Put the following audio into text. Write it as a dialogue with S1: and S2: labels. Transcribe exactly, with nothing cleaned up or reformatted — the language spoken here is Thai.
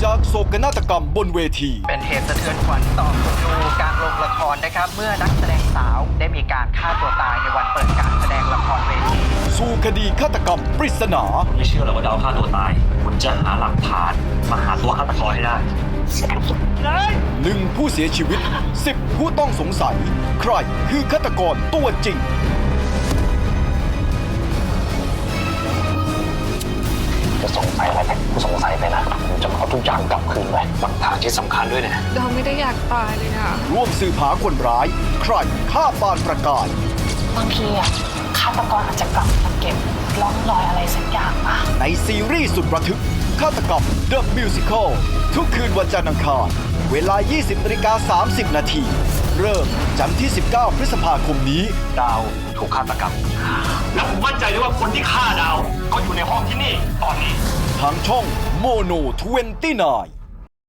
S1: จากโศกนาฏกรรมบนเวที
S2: เป็นเหตุสะเทือนขวัญต่อคนดูการลงละครนะครับเมื่อนักแสดงสาวได้มีการฆ่าตัวตายในวันเปิดการแสดงละครเวที
S1: สู่คดีฆาตกรรมปริศนา
S3: ไม่เชื่อหรอกว่าดาวฆ่าตัวตายคุณจะหาหลักฐานมาหาตัวฆาตกรให้ได้
S1: หนึ่งผู้เสียชีวิตสิบผู้ต้องสงสัย ใครคือฆาตกรตัวจริง
S3: จะสงสัยอะไรกูสงสัยไปนะผมจะเอาทุกอย่างกลับคืนไปหลักฐานที่สำคัญด้วยนะ
S4: เราไม่ได้อยากตายเลยอะ
S1: ร่วมสืบหาคนร้าย ใครฆ่าปานประกาย
S5: บางทีอ่ะฆาตกรอาจจะกลับมาเก็บร่องรอยอะไรสักอย่างมา
S1: ในซีรีส์สุดระทึกฆาตกรรม The Musical ทุกคืนวันจันทร์อังคารเวลา ยี่สิบนาฬิกาสามสิบนาทีเริ่มจันทร์ที่ สิบเก้า พฤษภาคมนี้
S3: ดาวถูกฆาตกรรม แล้วผมมั่นใจเลยว่าคนที่ฆ่าดาวก็อยู่ในห้องที่นี่ตอนนี้
S1: ทางช่องโมโนยี่สิบเก้า